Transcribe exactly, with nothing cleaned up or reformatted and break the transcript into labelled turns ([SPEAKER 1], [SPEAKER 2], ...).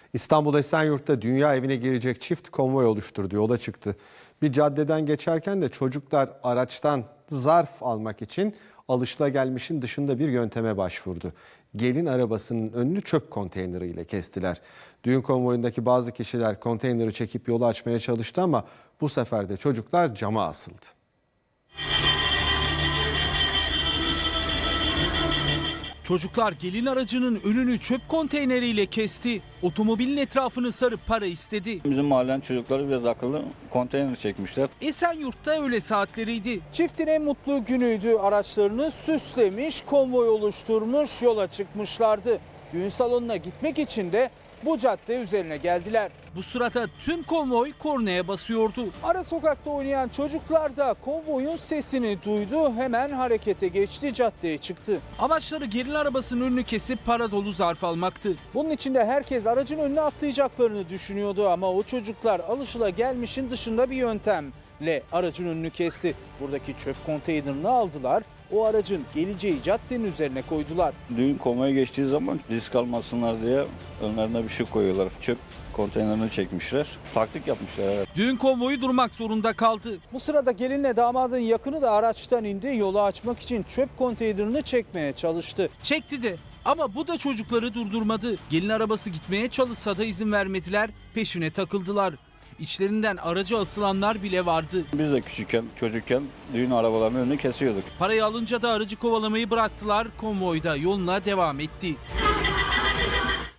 [SPEAKER 1] İstanbul Esenyurt'ta dünya evine girecek çift konvoy oluşturdu, yola çıktı. Bir caddeden geçerken de çocuklar araçtan zarf almak için alışılagelmişin dışında bir yönteme başvurdu. Gelin arabasının önünü çöp konteyneriyle kestiler. Düğün konvoyundaki bazı kişiler konteyneri çekip yolu açmaya çalıştı ama bu sefer de çocuklar cama asıldı.
[SPEAKER 2] Çocuklar gelin aracının önünü çöp konteyneriyle kesti. Otomobilin etrafını sarıp para istedi.
[SPEAKER 3] Bizim mahallenin çocukları biraz akıllı, konteyner çekmişler.
[SPEAKER 2] Esenyurt'ta öğle saatleriydi.
[SPEAKER 4] Çiftin en mutlu günüydü. Araçlarını süslemiş, konvoy oluşturmuş, yola çıkmışlardı. Düğün salonuna gitmek için de bu cadde üzerine geldiler.
[SPEAKER 2] Bu sırada tüm konvoy kornaya basıyordu.
[SPEAKER 4] Ara sokakta oynayan çocuklar da konvoyun sesini duydu. Hemen harekete geçti, caddeye çıktı.
[SPEAKER 2] Amaçları gelin arabasının önünü kesip para dolu zarf almaktı.
[SPEAKER 4] Bunun için de herkes aracın önüne atlayacaklarını düşünüyordu ama o çocuklar alışılagelmişin dışında bir yöntemle aracın önünü kesti. Buradaki çöp konteynerini aldılar. O aracın geleceği caddenin üzerine koydular.
[SPEAKER 3] Düğün konvoya geçtiği zaman risk almasınlar diye önlerine bir şey koyuyorlar. Çöp konteynerini çekmişler. Taktik yapmışlar. Evet.
[SPEAKER 2] Düğün konvoyu durmak zorunda kaldı.
[SPEAKER 4] Bu sırada gelinle damadın yakını da araçtan indi. Yolu açmak için çöp konteynerini çekmeye çalıştı.
[SPEAKER 2] Çekti de ama bu da çocukları durdurmadı. Gelin arabası gitmeye çalışsa da izin vermediler. Peşine takıldılar. İçlerinden araca asılanlar bile vardı.
[SPEAKER 3] Biz de küçükken, çocukken düğün arabalarının önünü kesiyorduk.
[SPEAKER 2] Parayı alınca da aracı kovalamayı bıraktılar. Konvoyda yoluna devam etti.